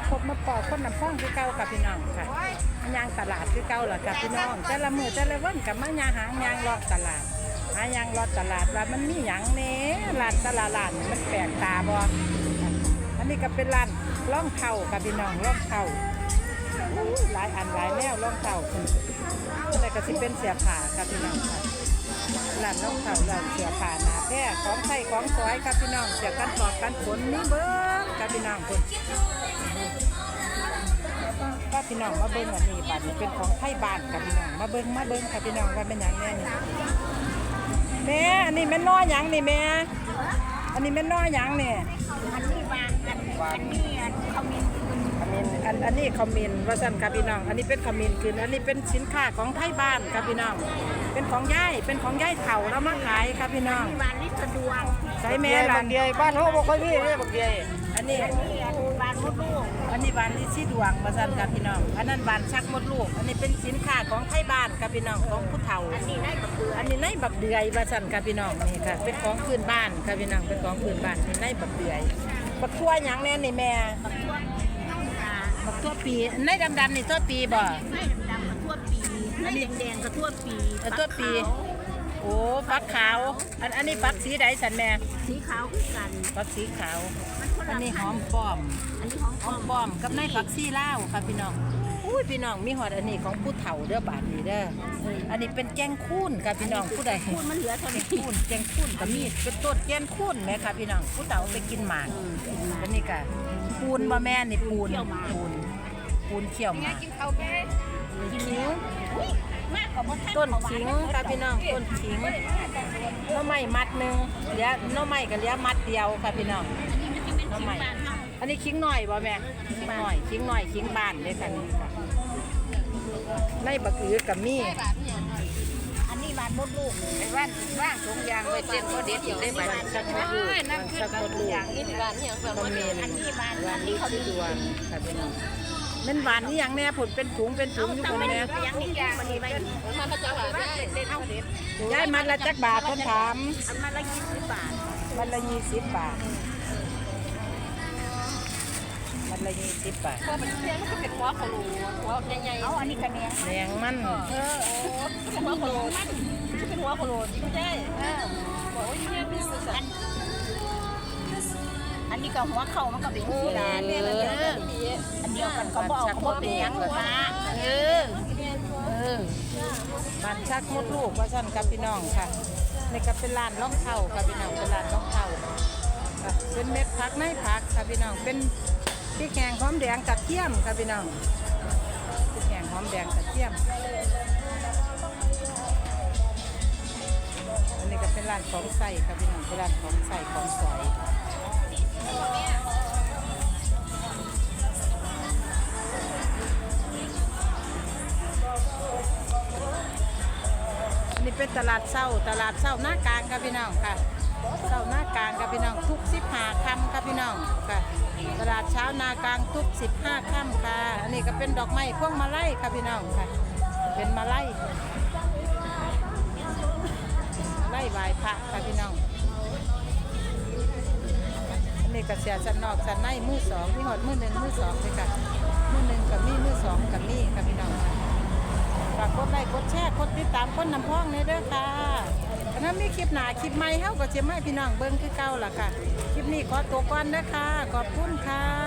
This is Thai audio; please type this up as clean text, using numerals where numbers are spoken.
พบมาปอกคนน้ำพองคือเก่ากับพี่น้องค่ะยางตลาดคือเก่าล่ะกับพี่น้องแต่ละมือแต่ละวันกับมายางหางยางรอดตลาดหายางรอดตลาดว่ามันมีหยังเน่ร้านตลาดมันแปลกตาบ่อันนี้ก็เป็นร้านล่องเข่ากับพี่น้องล่องเข่าหลายอันหลายแนวล่องเข่าอะไรก็สิเป็นเสียผ้ากับพี่น้องค่ะร้านล่องเข่าร้านเสียผ้าหนาแพร่ของไทยของสวยกับพี่น้องเสียกันปอกกันฝนนี่เบิ้งกับพี่น้องคนก็พี่น้องมาเบิ้งอันนี้บ้านนี้เป็นของไทยบ้านกับพี่น้องมาเบิ้งกับพี่น้องว่าเป็นอย่างแน่นี่แม่อันนี้แม่น้อยหยังนี่แม่อันนี้แม่น้อยหยังนี่อันนี้วางอันนี้เขามีอันนี้คอมมินว่าสั่นครับพี่น้องอันนี้เป็นคอมมินคืออันนี้เป็นสินค้าของไทยบ้านครับพี่น้องเป็นของย่ายเถ่าแล้วมาขายครับพี่น้องวานนี้สะดวกใช้แม่บักเดียบ้านเขาบอกค่อยมีเลยบักเดียอันนี้วานมดลูกอันนี้บานลิซี่ดวงว่าสั่นครับพี่น้องอันนั้นบานชักมดลูกอันนี้เป็นสินค้าของไทยบ้านครับพี่น้องของผู้เฒ่าอันนี้ได้บักเดือยอันนี้ในบักเดือยว่าสั่นครับพี่น้องนี่ค่ะเป็นของพื้นบ้านครับพี่น้องเป็นของพื้นบ้านในบักเดือยบักทั่วหยังแน่นี่แม่บักทั่วปีในดำๆนี่ทั่วปีบ่ไม่ดำๆกระทั่วปีไม่แดงๆกระทั่วปีทั่วปีโอ้ฟักขาวอันนี้ฟักสีใดสันแม่สีขาวคือกันฟักสีขาวอันนี้หอมป้อมอันนี้หอมป้อมกับในฟักซีลาวครับพี่น้องอุ้ยพี่น้องมีหอดอันนี้ของผู้เฒ่าเด้อบาดนี้เด้ออันนี้เป็นแกงคูนครับพี่น้องผู้ใดคูนมันเหลือเท่านี้คูนแกงคูนก็มีเป็นต้นแกงคูนไหมครับพี่น้องผู้เฒ่าไปกินหมากอันนี้ก็ปูนบ่แม่นี่ปูนเขี่ยวหมากขิงต้นขิงครับพี่น้องต้นขิงน้อไม้มัดหนึ่งเหลือน้อไม้ก็เหลือมัดเดียวครับพี่น้องน้อไม้อันนี้ขิงหน่อยบ่แม่ขิงหน่อยขิงบ้านเลยค่ะนี่ค่ะในบักอือกับมีอันนี้วานมดลูกไอ้ว่างถุงยางไว้เต้นก็เด็ดอยู่ได้ไหมชักมดลูกชักมดลูกอย่างนี้บ้านอย่างแบบนี้อันนี้วานนี้เขาดวงครับพี่น้องมันหวานนี่อย่างแน่ผลเป็นถุงอยู่คนแน่ยังนี่ยางมันไม่มันก็จะหวานย้ายมันละจักบาทคนถามมันละ20 บาทมันละ20 บาทมันละ20 บาทพอมันเที่ยงก็เป็นหัวขลุ่หัวใหญ่ๆเอาอันนี้กันแดงมันเป็นหัวขลุ่เป็นหัวขลุ่จริงใช่บอกว่าเนี่ยเป็นสุสานอันนี้ก็หัวเข่ามันก็เป็นสีดำเนี่ยอันเดียวกันก็บอกเขาเป็นยังหัวบ้านชักมดลูกว่าสั่นกับพี่น้องค่ะนี่ก็เป็นร้านล่องเข่ากับพี่น้องเป็นร้านล่องเข่าเป็นเม็ดผักไม้ผักค่ะพี่น้องเป็นพริกแห้งหอมแดงกระเทียมค่ะพี่น้องพริกแห้งหอมแดงกระเทียมอันนี้ก็เป็นร้านของใส่ค่ะพี่น้องเป็นร้านของใส่ของสวยนี่เป็นตลาดเช้าหน้ากลางครับพี่น้องค่ะเช้าหน้ากลางครับพี่น้องทุก15 ค่ำครับพี่น้องค่ะตลาดเช้านากลางทุก15 ค่ำค่ะอันนี้ก็เป็นดอกไม้พวงมาลัยครับพี่น้องค่ะเป็นมาลัยไหว้พระครับพี่น้องอันนี้ก็เสียสันนอกสันในมือ2ที่หอดมือ1มือ2เลยค่ะมือ1กับมีมือ2กับมีครับพี่น้องฝากกดไลค์กดแชร์กดติดตามคนน้ำพองในเด้อค่ะถ้ามีคลิปหน้าคลิปใหม่เฮาก็จะให้พี่น้องเบิ่งคือเก่าล่ะค่ะคลิปนี้ขอตัวก่อนเด้อค่ะขอบคุณค่ะ